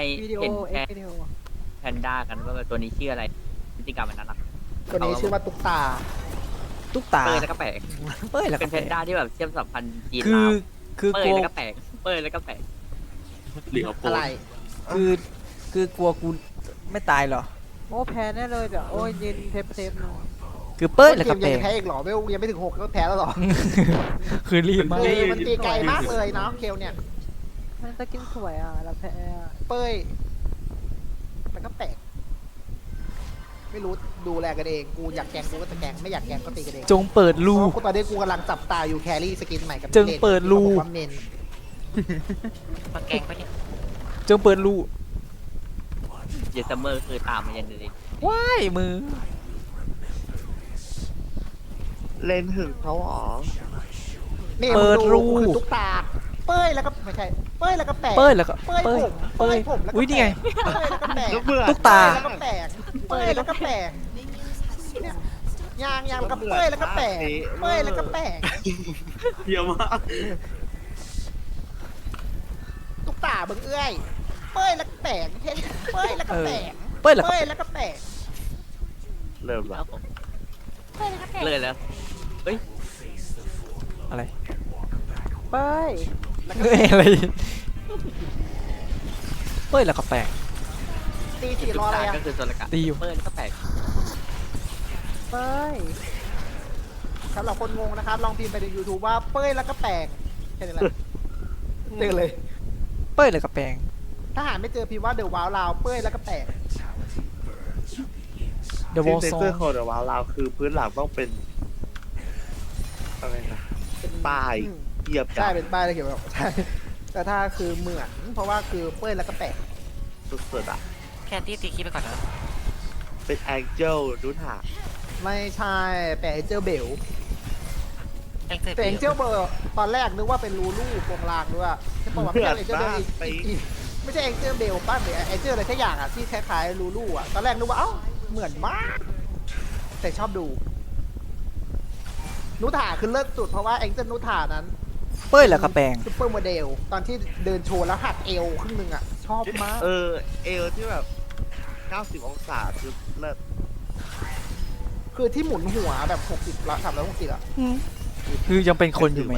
วิดีโอเห็นเอ็กแค่วิดีโอแพนด้ากันว่าตัวนี้ชื่ออะไรพฤติกรรมมันน่ารักตัวนี้ชื่อว่าตุ๊กตาตุ๊กตาเป้ยแล้วก็แปลกเป้ยแล้วเป็ก็นแพนด้าที่แบบเชื่อมสัมพันธ์จีนคือลาวคือเป้กยลัวแล้วก็แปลกเป้ยแล้วก็แปลกหรือเอาโปอะไรคือคือกลัวกูไม่ตายเหรอโอ้แพ้แน่เลยเดี๋ยวโอ้ยยืนเทปเทปหน่อยคือเป้ยแล้วเกก็มแปลยังงแพ้อีกเหรอไม่ยังไม่ถึง6ก็แพ้แล้วเหรอคือรีบมากคือมันตีไกลมากเลยเนาะเคลเนี่ยมันจะกินสวยอ่ะแล้วแพ้อะเป้ยมันก็แปลกไม่รู้ดูแลกันเองกูอยากแกงกูก็จะแกงไม่อยากแกงก็ตีกันเองจงเปิดรูเพราะกูตอนนี้กูกำลังจับตาอยู่แครี่สกินใหม่กับจึงเปิดรูที่ขาบอกว่าเมนมาแกงไปเนี่ยจงเปิดรูเยสเมอร์คือตามมายันเลยว้ายมือเล่นถึงเขาหรอนี่เปิดรูมึงคือตุ๊กตาเป้ยแล้วก็ไม่ใช่เป้ยแล้วก็แปลกเป้ยแล้วก็เป้ยเป้ยผมเป้ยผมแล้วก็อุ้ยนี่ไงเป้ยแล้วก็แปลกก็เบื่อตุ๊กตาแล้วก็แปลกเป้ยแล้วก็แปลกเนี่ยยางแล้วก็เป้ยแล้วก็แปลกเป้ยแล้วก็แปลกเยี่ยมมากตุ๊กตาเบิ่งเอื้อยเป้ยแล้วก็แปลกเฮ้ยเป้ยแล้วก็แปลกเป้ยแล้วก็เป้ยแล้วก็แปลกเริ่มแล้ละวผมเลยแล้วเฮ้ยอะไรเป้ยแล้วก็เอ้ยอะไรเป้ยแล้วก็แปลงตีสี่รออะไรตาอ่ะก็คือโซลกะตีอยู่เป้ยแล้วก็แปลกเป้ยสำหรับคนงงนะครับลองพิมพ์ไปใน YouTube ว่าเป้ยแล้วก็แปลกแค่นี้แหละเจอเลยเป้ยแล้วก็แปลงถ้าหาไม่เจอพิมพ์ว่าเดอะว้าวลาวเป้ยแล้วก็แปลก The ซิ Wall งเซ Song อร์ของเดอะวาลาวคือพื้นหลังต้องเป็นอะไรนะเป็นป้ายอืมเหยียบใช่เป็นป้ายเลยเขียนแบบใช่แต่ถ้าคือเหมือนเพราะว่าคือเป้ยแล้วก็แปลกสุดๆอ่ะแค่ตีคิดไปก่อนนะเป็นแองเจลดูหาไม่ใช่แปลกเจอเบลแองเจิลแต่เอ็งเจลเบอร์ตอนแรกนึกว่าเป็นรูลูโปรงลางด้วยใช่ป่าวว่าไม่ใช่เอ็งเจลเบลอีกไม่ใช่เอ็งเจลเบลป้าหรือเอ็งเจลอะไรสักอย่างอ่ะที่คล้ายๆรูลูอ่ะตอนแรกนึกว่าเอ้าเหมือนมากแต่ชอบดูนุถาคือเลิศสุดเพราะว่าเอ็งเจลนุถานั้นเป้ยแล้วก็แปลงซุปเปอร์โมเดลตอนที่เดินโชว์แล้วหักเอวครึ่งหนึงอ่ะชอบมากเออเอลที่แบบ 90 องศาคือเลิศคือที่หมุนหัวแบบ60ละ360อ่ะคือยังเป็นคนอยู่ไหม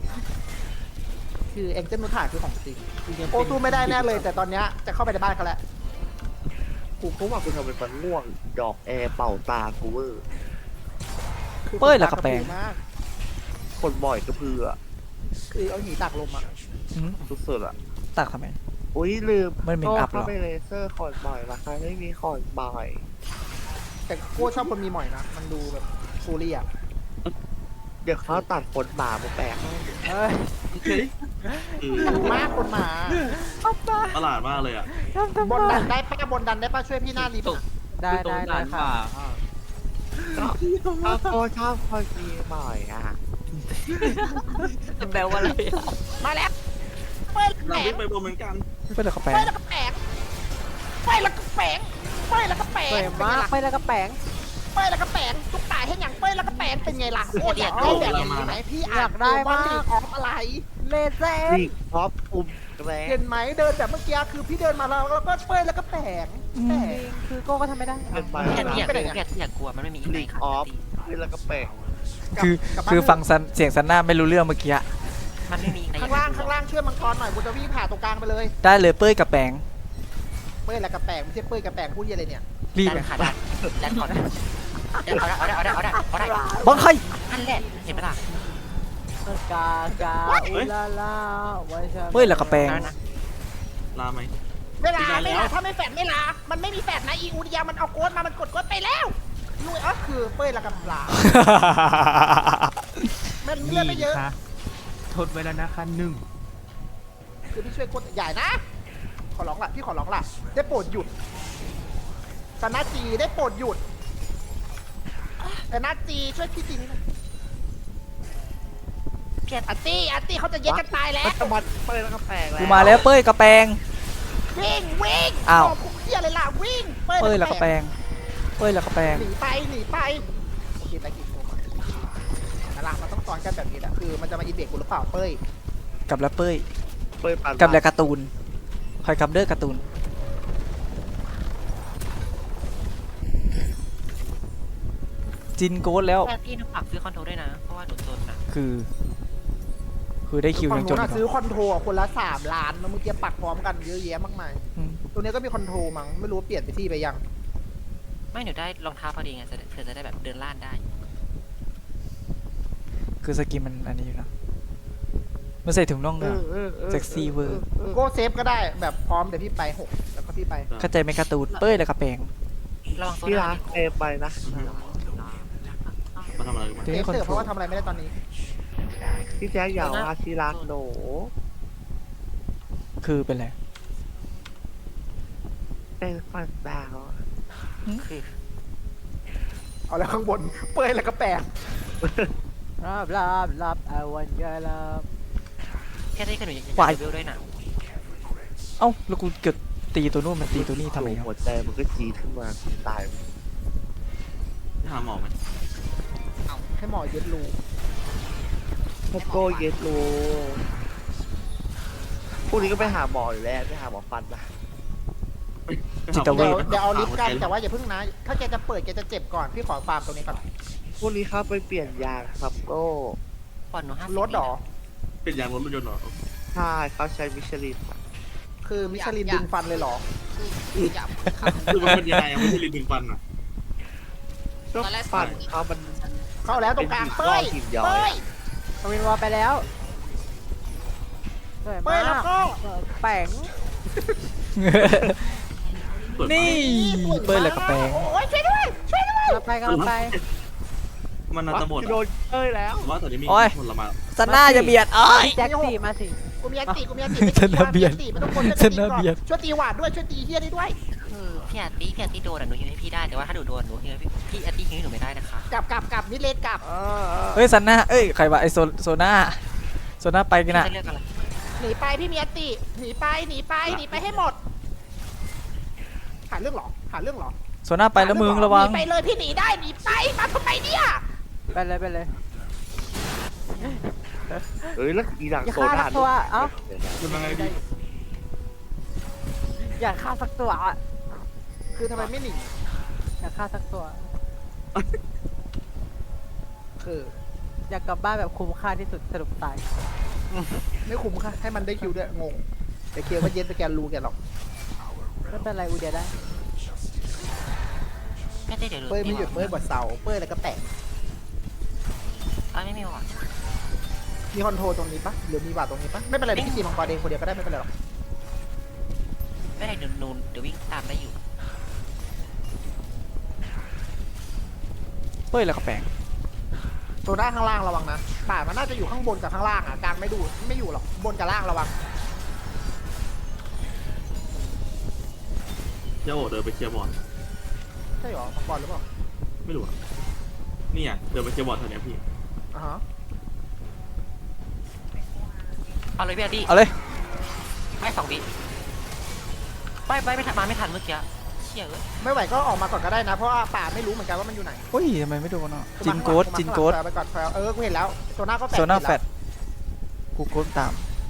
คือเอ็งเจลนุถาคือของจริงโอ้สู้ไม่ได้แน่เลย แต่ตอนเนี้ยจะเข้าไปในบ้านเขาแล้วกูก็ว่ากูทำเป็นมันง่วง ดอกแอร์เป่าตากูเวอร์คือเป้ยแล้วก็แปลงมากคนบ่อยกระเพือคือเอาหีตากลมอ่ะอืมสุดๆอ่ะตักทำไมอุ้ยลืมมันเป็นอัพเหรเข้าอไปเลเซอร์คอนบ่อยราคาไม่มีคอนบ่อยแต่โก้ชอบคนมีหมอยนะ มันดูแบบฟูรี่อ่ะเดี๋ยวเขาตัดขนหมามาแปะให้เอ้ยมากคนหมาประหลาดมากเลยอ่ะบนดันได้ป้าบนดันได้ป้าช่วยพี่หน้ารีบตกได้ตรงได้ด่านค่ะป่าก็ชอบคนมีหมอยอ่ะจะแปลว่าอะไรอะมาแล้วเป้ยเราแปลวิ่งงไปบนเหมือนกันเป้ยแล้วก็แปลงเป้ยแล้วก็แปลงเป้ยแล้วก็แปลงเป้ยแล้วก็แปลงสวยมากไปแล้วก็แปงเป้ยแล้วก็แปลงตุ๊กตาให้หยังเป้ยแล้วก็แปลงเป็นไงล่ะโอ้ยอยากได้แบบนี้ไหมพี่อ่านว่าลีกออฟอะไรเลเซอนี่ร์ท็อปปุ่มแกรเห็นไหมเดินแบบเมื่อกี้คือพี่เดินมาแล้วก็เป้ยแล้วก็แปลงแปลงคือโก้ก็ทำไม่ได้เป็นไปแค่ที่อยากเป็นไงแค่ที่อยากกลัวมันไม่มีลีกออฟแล้วก็แปะคือฟังเสียงซันน่าไม่รู้เรื่องเมื่อกี้อะมันไม่มีข้างล่างช่วยมังกรหน่อยกูจะวิ่งผ่าตรงกลางไปเลยได้เลยเป้ยกับแปลงเป้ยแล้วก็แปลงไม่ใช่เป้ยกับแปลงพูดยังไงเนี่ยรีบได้ค่ะได้ได้ก่อนได้เอาได้บังใครนั่นแหละเห็นไหมล่ะกากาอุลาลาไว้ชาเป้ยแล้วก็แปลงลาไหมเวลาถ้าไม่แฟดไม่ลามันไม่มีแฟดนะอีอูดิยามันเอาโค้ดมามันกดโค้ดไปแล้วลุยอ๋อคือเป้ยแล้วกับปลามันเลื่อนไม่เยอะทดไว้แล้วนะคะหนึ่งคือพี่ช่วยโค้ดใหญ่นะขอร้องละพี่ขอร้องละได้โปรดหยุดสนาจีได้โปรดหยุดแต่นาจีช่วยพี่จีนเพียรอาร์ตี้เขาจะแยกกันตายแล้วมันจะมันเปิดแล้วก็แปลงแล้วกูมาแล้วเป้ยกับแปลงวิ่งอ้าวคุกเที่ยอะไรล่ะวิ่งเป้ยแล้วก็แปลงเป้ยแล้วก็แปลงหนีไปโอเคไปกินโกก่อนนั่นล่ะมันต้องสอนกันแบบนี้แหละคือมันจะมาอีเบกกูหรือเปล่าเป้ยกับแล้วเป้ยเปิดปันกับแล้วการ์ตูนคอยกับเด้อการ์ตูนจินโกดแล้วแต่พี่หนูฝากซื้อคอนโทรลด้วยนะ เพราะว่าหนูจนนะคือได้คิวฝั่ยัง งจนู้นนอีอะกเหรซื้ออคอนโทรคนละ3 ล้านนะเมื่อกี้ปักพร้อมกันเยอะแยะมากมายอืมตัวนี้ก็มีคอนโทรมั้งไม่รู้ว่าเปลี่ยนไปที่ไปยังไม่หนูได้รองเท้าพอดีไงเธอจะได้แบบเดินล่านได้คือสกินมันอันนี้อยู่นะมันใส่ถุงน่องด้วยเซ็กซี่เวอร์โก้เซฟก็ได้แบบพร้อมเดี๋ยวพี่ไป6แล้วก็พี่ไปเข้าใจไหมการ์ตูนเป้ยแล้วก็แปลงระวังโซที่ดารักเอไปนะมาทำอะไรกันมาเดี๋ยวเซให้ฟคอนเถอะโทเพรราะลว่าทำอะไรไม่ได้ตอนนี้พี่แจ๊คอย่าว่าที่รักหนูคือเป็นไรเป็นฟันดาวคือเอาแล้วข้างบนเปื่อยแล้วก็แปลกรับ I want your love แค่ได้ก็หนูยังวายเลเวลด้วยนะเอ้าแล้วกูเกิดตีตัวนู้นมันตีตัวนี้ทำไมครับหัวใจมันก็จีดขึ้นมาตายหาหมอไหมให้หมอยึดรูพโก้เยสโลพวกนี้ก็ไปหาหมออยู่แล้วไปหาหมอฟันนะจิตเวชเดี๋ยวเอาลิฟต์กันแต่ว่าอย่าเพิ่งนะ ถ้าแกจะเปิดแกจะเจ็บก่อนพี่ขอฟาร์มตรงนี้ก่อนพวกนี้เข้าไปเปลี่ยนยางครับโก้ปอนหนู50 รถเหรอเป็นยางรถยนต์เหรอใช่เขาใช้มิชลินคือมิชลินดึงฟันเลยเหรอคือมันเป็นยังไงอะไม่ใช่ลิ้นดึงฟันอ่ะก็ฟันเขามันเข้าแล้วตรงกลางเป็นเป้ยหินย้อยเป้ยทวินวอลไปแล้วสวยเป้มายแล้วกก็แป๋งสวยมากนี่เป้ยแล้วก็แปลงโอ้ยช่วยด้วยช่วยด้วยเราไปกันไปมันน่าจะหมดโดนเอ้ยแล้วว่าตอนนี้มีโอ้ยผลไม้ซันน่าจะเบียดอ้อยแจ็คสี่มาสิกูมีอันติกูมีอันติชนะเบียดไม่ต้องกดชนะเบียดช่วยตีหวาดด้วยช่วยตีเฮียได้ด้วยคือพี่อาร์ตี้โดนอะหนูฮิวให้พี่ได้ แต่ว่าถ้าหนูโดนหนูฮิวให้พี่อาร์ตี้ฮิวให้หนูไม่ได้นะคะกลับมิดเลนกลับเฮ้ยซันน่าเอ้ยใครวะไอโซน่าไปกันพี่นะจะเลือกอะไรหนีไปพี่มีอันติหนีไปให้หมดหาเรื่องเหรอโซน่าไปแล้วมึงระวังหนีไปเลยพี่หนีได้หนีไปมาทำไมเนี่ยไปเลยเอ้ยแล้วอีหลังอย่าโซฆ่าดาสักตัวเอ้าคุณยังไงดีอย่าฆ่าสักตัวคือทำไมไม่หนีอย่าฆ่าสักตัวคืออยากกลับบ้านแบบคุ้มค่าที่สุดสรุปตายไม่คุ้มค่ะให้มันได้คิวด้วยงงแต่เคลียร์ว่าเย็นไปแกนรู้แกหรอกไม่เป็นไรอูเดียได้ไม่ได้เดี๋ยวเป้ยไม่หยุดเป้ยบดเสาเป้ยแล้วก็แตกไม่มีหวังมีคอนโทรลตรงนี้ปะหรือมีบาดตรงนี้ปะไม่เป็นไรพี่ตีมังกรเองคนเดียวก็ได้ไม่เป็นไรหรอกไม่ได้เดี๋ยววิ่งตามได้อยู่เป้ยแล้วก็แปลงตัวด้านข้างล่างระวังนะป่ามันน่าจะอยู่ข้างบนกับข้างล่างอ่ะกลางไม่อยู่หรอกบนกับล่างระวังเจ้าโอเดินไปเคลียร์บอลใช่หรอมังกรหรือเปล่าไม่รู้อ่ะนี่อ่ะเดินไปเคลียร์บอลแถวเนี้ยพี่อ่าฮะเอาเลยพี่อาร์ตี้เอาเลยไม่2 วิไม่ทันมาไม่ทันเมื่อกี้เชี่ยเอ้ยไม่ไหวก็ออกมาก่อนก็ได้นะ เพราะว่าป่าไม่รู้เหมือนกันว่ามันอยู่ไหนเฮ้ยทำไมไม่โดนอ่ะจินมาโกข้างหลังดจินโกดไปก่อนกูเห็นแล้วโซน่าก็แตกโซน่าเห็แฟล้วดกูโกดตาม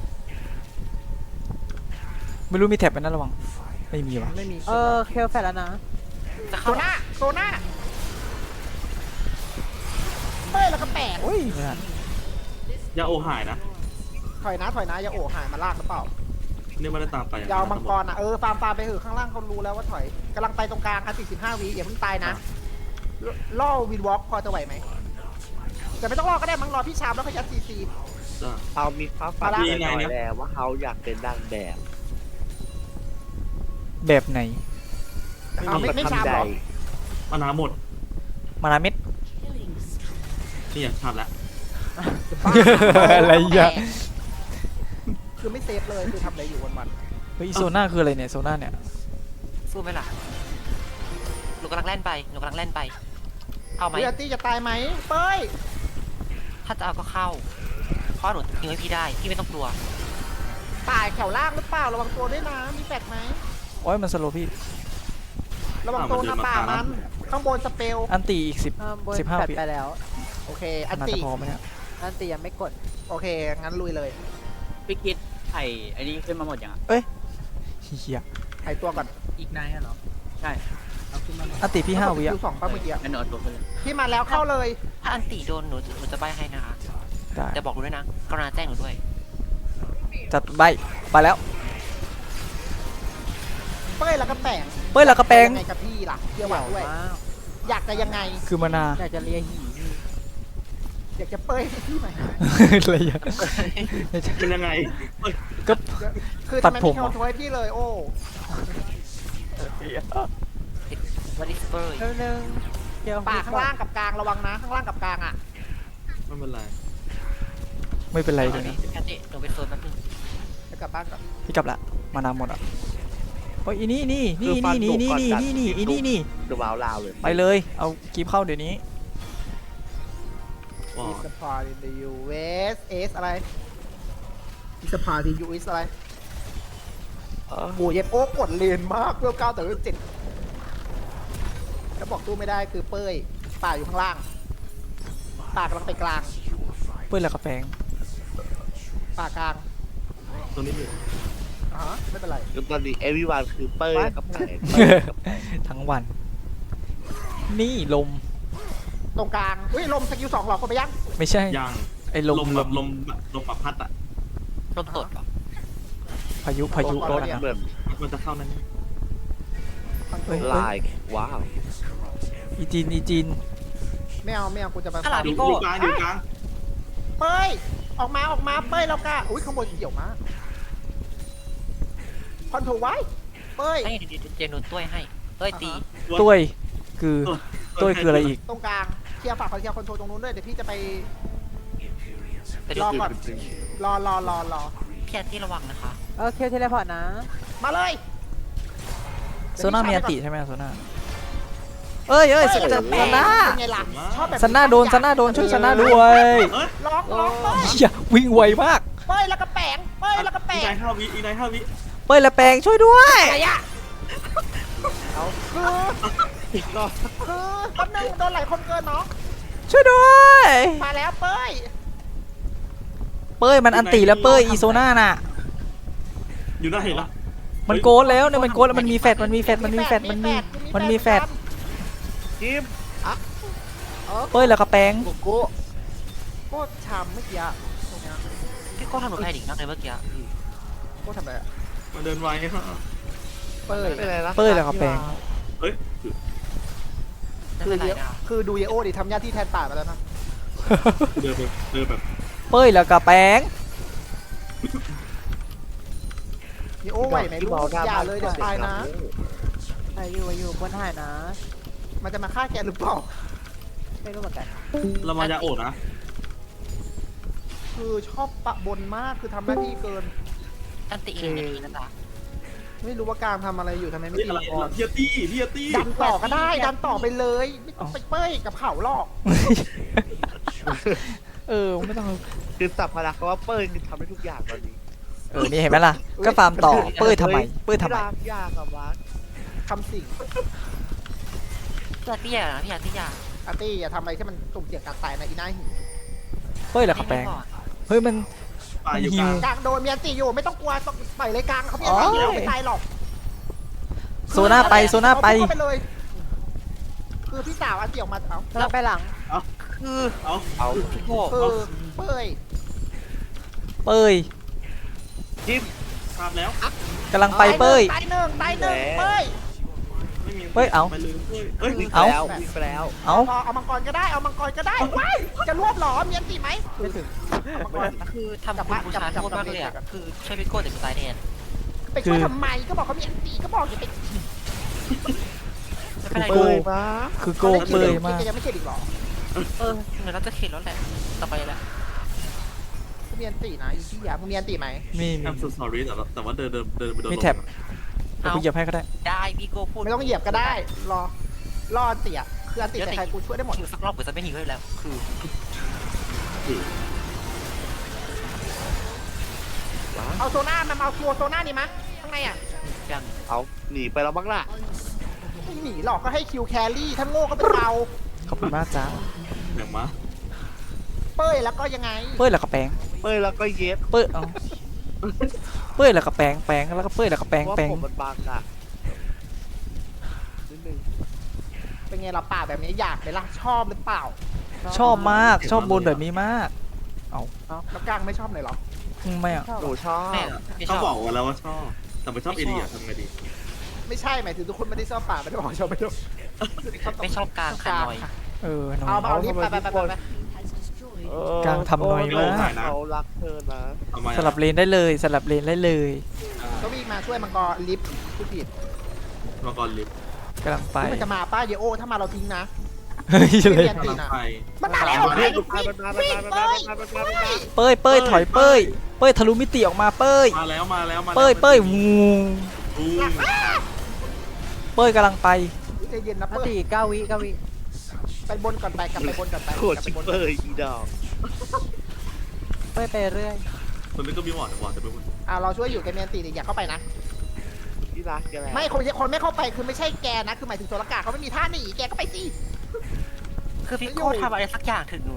ไม่รู้มีแท็บเป็นนั่นระวังไม่มีวะไม่มีเคลแฟดแล้วนะจะโซเข้าน่าเป้ยแล้วก็แปลกโอ้ยไม่ทันยาโอหายนะถอยนะอย่าโอ้หายมาลากหรือเปล่านี่ไม่ได้ตามไปยาวมังกรอ่ะฟาร์มไปเถอะข้างล่างเขารู้แล้วว่าถอยกำลังไปตรงกลางอันติ15 วิอย่าเพิ่งตายนะล่อวินวอล์กพอจะไหวไหมแต่ไม่ต้องรอก็ได้มั้งรอพี่ชามแล้วเขายัดซีซีจ้าเขามีฟ้าฝันหน่อยแล้วว่าเขาอยากเป็นนางแบบแบบไหนเอาไม่ชามหรอมานาหมดมานาเม็ดนี่อ่ะชาบแล้วอะไรอ่ะคือไม่เซฟเลยคือทำอะไรอยู่วันเฮ้ยโซน่าคืออะไรเนี่ยโซน่าเนี่ยสู้ไหมล่ะหนูกำลังแล่นไปเอาๆไหมเรียตี้จะตายไหมเป้ยถ้าจะเอาก็เข้าเพราะหนูฮิวให้พี่ได้พี่ไม่ต้องกลัวตายแถวล่างหรือเปล่าระวังตัวด้วยนะมีแฟดไหมโอ้ยมันสโลว์พี่ระวังตัวนะป่ามันข้างบนสเปลอันตีอีก10 บน 15 แฟดปีไปแล้วโอเคอันน่าติจะพอไหมเนี่ยอันตียังไม่กดโอเคงั้นลุยเลยพี่คิดไอ้นี้ขึ้นมาหมดยังอ่ะเฮียหายตัวก่อนอีกนายอะเหรอใช่เอาขึ้นมาอันติพี่5 วิอะคิวสองป้าเมื่อกี้งั้นหนูเอาตัวขึ้นเลยพี่มาแล้วเข้าเลยถ้าอันตีโดนหนูจะใบให้นะคะได้แต่บอกหนูด้วยนะกรุณาแจ้งหนูด้วยจัดใบไปแล้วเป้ยแล้วก็แปงเป้ยแล้วก็แปงยังไงกับพี่ล่ะเกี่ยวหวังด้วยมากอยากจะยังไงคือมานาอยากจะเลียหีอยากจะเป้ยให้พี่ไหมอะไรอย่างเป็นยังไงเอ้ยก็คือตัทำดไมผไม่มเข้าเหรอโทยพี่เลยโอ้วัดิสเปอร์เร็วนึงเดี๋ยวป่าข้างล่างกับกลางระวังนะข้างล่างกับกลางอ่ะไม่เป็นไรไม่เป็นไรเดี๋เลยวยนะแคทตี้หนูไปโซนแป๊บนึงจะกลับบ้านก่อนพี่กลับละมานาหมดอ่ะโอ้ยอีนี่นี่คืนี่อฟันี่นนี่ดุนี่ก่อนนี่กัดนี่อีนี่นี่ดูวาวลาวเลยไปเลยเอากีบเข้าเดี๋ยวนี้ว้าอีสปาร์ติยูเวสเอสอะไรอีสปาร์ติยูเอสอะไรโอ้ยเย็บโอ้กดเลนมากเวล9แต่เวล7แล้วบอกตู้ไม่ได้คือเป้ยป่าอยู่ข้างล่างป่ากำลังไปกลางเป้ยแล้วก็แปงป่ากลางตรงนี้อยู่อ่าฮะไม่เป็นไรคือตอนนี้เอวีวันคือเป้ยกับแผงทั้งวัน นี่ลมตรงกลางอุ้ยลมสกิล2หรอกคนไปยังไม่ใช่ยังไอ้ลมแบบลมปรับพัดอ่ะลมตดเหรอพายุรถเนี่ยนะเหมือนมันจะเข้านั่นเฮ้ยลายว้าวอีจีนไม่เอากูจะไปข้างหลังอยู่พี่โก้กลางอยู่กลางเป้ยออกมาเป้ยแล้วกะอุ้ยข้างบนเกี่ยวมากคอนโทรไว้เป้ยให้เดี๋ยวหนูต้วยให้ต้วยตีตุ้ยคือตุ้ยคืออะไรอีกตรงกลางเคลียร์ฝากเคลียร์คอนโทรลตรงนู้นด้วยเดี๋ยวพี่จะไปแต่รอก่อน รอพี่อาร์ตี้ระวังนะคะโอเคเทเลพอร์ตนะมาเลยโซน่ามีอันติใช่ไหมโซน่าเอ้ยจะซันน่าเป็นไงล่ะชอบแบบซันน่าโดนช่วยซันน่าด้วยเอ้ยร้องเป้ยอย่าวิ่งไวมากเป้ยแล้วก็แปงเป้ยแล้วก็แปอีงไนท์5 วิอีไนท์5 วิเป้ยและแปงช่วยด้วยอะไรอะคือแป๊บนึงโดนหลายคนเกินเนาะช่วยด้วยมาแล้วเป้ยเป้ยมันอันติแล้วเป้ยอีโซน่าน่ะอยู่หน้าเห็นละมันโกนแล้วเนี่ยมันโกนแล้วมันมีแฟดมันมีแฟดจิมเป้ยแล้วก็แปงโกโก้โคตรช้ำเมื่อกี้อะตรงเนี้ยพี่โก้ทำหนูแพ้ดิ่งนักเลยเมื่อกี้โคตรทำอะไรอะมาเดินไวฮะเป้ยไม่เป็นไรนะเป้ยแล้วก็แปงเฮ้ยไม่เป็นไรนะคือดูเยโอดิทำหน้าที่แทนป่าไปแล้วนะเดินแบบเป้ยแล้วก็แปงเยโอไหวไหมลูกอย่าเลยเดี๋ยวตายนะอายุบนหายนะมันจะมาฆ่าแกหรือเปล่าไม่รู้เหมือนกันเรามายาโอดนะคือชอบปะบนมากคือทำหน้าที่เกินอันตีอีกนาทีนะจ๊ะไม่รู้ว่าการทำอะไรอยู่ทำไมไม่เฮ้ยตีอะไรก่อนพี่อาร์ตี้ดันต่อก็ได้ดันต่อไปเลยไม่ต้องไปเป้ยกับเขาหรอกไม่ต้องคือสัพพลักษณ์ว่าเป้ยคือทำได้ทุกอย่างตอนนี้นี่เห็นไหมล่ะก็ฟาร์มต่อเป้ยทำไมเป้ยทำไมยากยากอะวัดคำสิ่งพี่อาร์ตี้นะพี่อาร์ตี้ยาอาร์ตี้อย่าทำอะไรที่มันสุ่มเสี่ยงการตายนะอีน่าหิวเป้ยแล้วก็แปงเฮ้ยมันปลาอยู่กลางกลางโดนเมียนตีอยู่ไม่ต้องกลัวต้องปล่อยเลยกลางเขาเมียนตีอยู่ไม่ตายหรอกโซน่าไปเอาไปเลย คือพี่สาวอาเกี่ยวมาเอาแล้วไปหลังคือเอาเอาพี่โก้คือเป้ยเป้ยจิมทราบแล้วกำลังไปเป้ยตายหนึ่งเป้ยไม่มีเฮ้ยเอาไปเลยเฮ้ยวิ่งไปเอาแล้ววิ่งไปแล้วเอ้าเอามังกรก็ได้ว้ายจะรวบหรอเมียนตีไหมไม่ถึงมังกรคือทำคุณบูชาโทษมากเลยอ่ะคือใช้พี่โก้แต่ไม่ตายแน่ไปช่วยทำไมก็บอกเขามีอันตีก็บอกอย่าไปไม่เป็นไรเป้ยมาคือโกงเป้ยมากยังไม่เข็ดอีกหรอเดี๋ยวเราจะเข็นแล้วแหละต่อไปแล้วเขามีอันตีนะอีที่ยามึงมีอันตีไหมมีแอมสุดสอรี่แต่ว่าเดินไปโดนมีแท็บเดี๋ยวกูเหยียบให้ก็ได้ได้พี่โก้พูดไม่ต้องเหยียบก็ได้รออันตีอ่ะคืออันตีใครกูช่วยได้หมดหิวสักรอบหรือจะไม่หิวให้แล้วคือเอาโซน่ามาเอาตัวโซน่านี่มะข้างในอ่ะยังเอาหนีไปแล้วบ้างล่ะไม่หนีหรอกก็ให้คิวแครี่ถ้าโง่ก็เป็นเราขอบคุณมากจ้าอย่างมาเป้ยแล้วก็ยังไงเป้ยแล้วก็แปงเป้ยแล้วก็เย็บเป้ยเอาเป้ยแล้วก็แปงแล้วก็เป้ยแล้วก็แปงว่าแปงผมมันบางอะไงเราป่าแบบนี้อยากไหมล่ะชอบหรือเปล่าชอบมากชอบบนแบบนี้มากแล้วกลางไม่ชอบเลยเหรอไม่อะหนูชอบไม่ไม่ชเขาอบบอกว่าแล้วว่าชอบ แต่ไม่ชอบเอเดียทำไงดีไม่ใช่หมายถึงทุกคนไม่ได้ชอบป่าไม่ได้บอกชอบไม่ชอบไม่ชอบกลางขาน้อยเออน้อเอายมาเอารีบไปกลางทำน้อยมากเขารักเธอนะทำไมอะสลับเลนได้เลยสลับเลนได้เลยก็วิ่งมาช่วยมังกรลิฟต์ผู้ผิดมังกรลิฟต์กำลังไปมันจะมาป้าเยโอถ้ามาเราทิ้งนะเฮ้ยเลยเรียนตีกำลังนะไปมันมาแล้วมันมามันมาเป้ยเป้ยถอยเป้ยเป้ยทะลุมิติออกมาเป้ยมาแล้วมาแล้วมาแล้วเป้ยเป้ยวูอู้เป้ยกำลังไปใจเย็นนะนาเปิ้ลที9 วิ 9 วิไปบนก่อนไปกลับไปบนก่อนไปโคตรชิปเปอร์อีดอกไปไปเรื่อยคนนี้ก็มีหวอดแต่ไม่พูดเราช่วยอยู่แกเมียนตีอย่าเข้าไปนะที่รักแกแล้วไม่คนไม่เข้าไปคือไม่ใช่แกนะคือหมายถึงโซลกาเขาไม่มีท่าหนีแกก็ไปสิคือพี่โก้ทำอะไรสักอย่างถึงหนู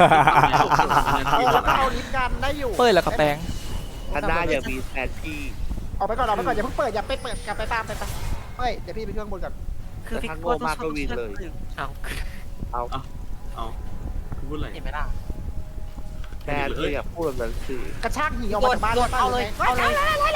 แล้วก็เอาลิฟต์กันได้อยู่เป้ยแล้วก็แปลงอันหน้าอย่ามีแทนที่ออกไปก่อนอย่าเพิ่งเปิดอย่าไปเปิดกลับไปตามไปเฮ้ยเดี๋ยวพี่ไปช่วยข้างบนก่อนคือพี่โก้ต้องชอบเอาเอาพูดอะไรเห็นไหมล่ะแทนเธออย่าพูดแบบนั้นสิกระชากหนีออกมาจากบ้านเอาเลยเอาเลย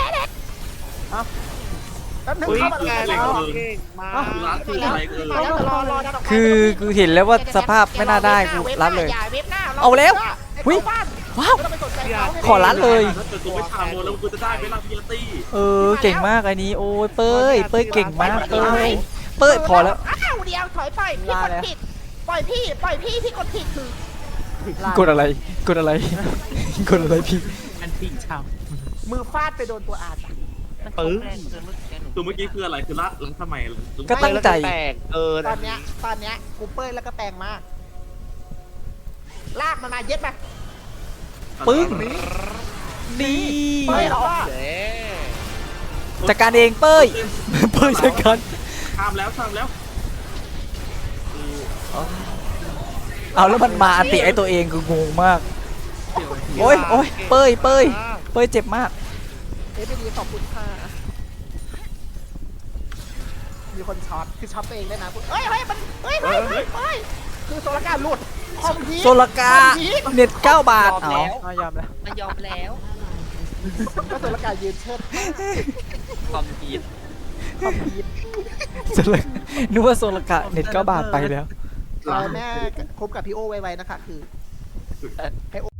แป๊บนึงอุ้ยเข้ามาแกเลยแล้วเก่งมากร้านคืออะไรเออมาแล้วรอดันออกมาคือกูเห็นแล้วว่าสภาพไม่น่าได้กูรับเลย เอาแล้ว หุ้ย ว้าว ขอรัดเลยถ้าเกิดกูไม่ทำโมแล้วกูจะได้ไหมล่ะพี่ตี้เออเก่งมากไอ้นี้โอ้ยเป้ยเป้ยเก่งมากเป้ยเป้ยพอแล้วอ้าวเดียวถอยไปพี่กดผิดปล่อยพี่พี่กดผิดคือกดอะไรกดอะไรกดอะไรพี่อันที่ชาวมือฟาดไปโดนตัวอาร์ตมันแรงเกินเมื่อกี้หนูตัวเมื่อกี้คืออะไรคือละแล้วทำไมก็ตั้งใจแตกตอนเนี้ยกูเป้ยแล้วก็แปลงมาก ลากมันมาเย็ดมาปึ้ง นี่เป้ยเหรอเด้จัดการเองเป้ยเป้ยจัดการทำแล้วเอาแล้วมันมาอันติไอตัวเองคืองงมากโอ้ยโอ้ยเป้ยเป้ยเจ็บมากเอฟดีขอบคุณค่ะมีคนช็อตคือช็อตตัวเองได้นะเฮ้ยมันเฮ้ยคือโซลการหลุดคอมพีทโซลกาเน็ต9 บาทเอายอมแล้วมันยอมแล้วก็โซลการยืนเชิดความผิดคอมพีทโซลกานึกว่าโซลกาเน็ต9 บาทไปแล้วแม่คบกับพี่โอไวๆนะคะคือให้โอ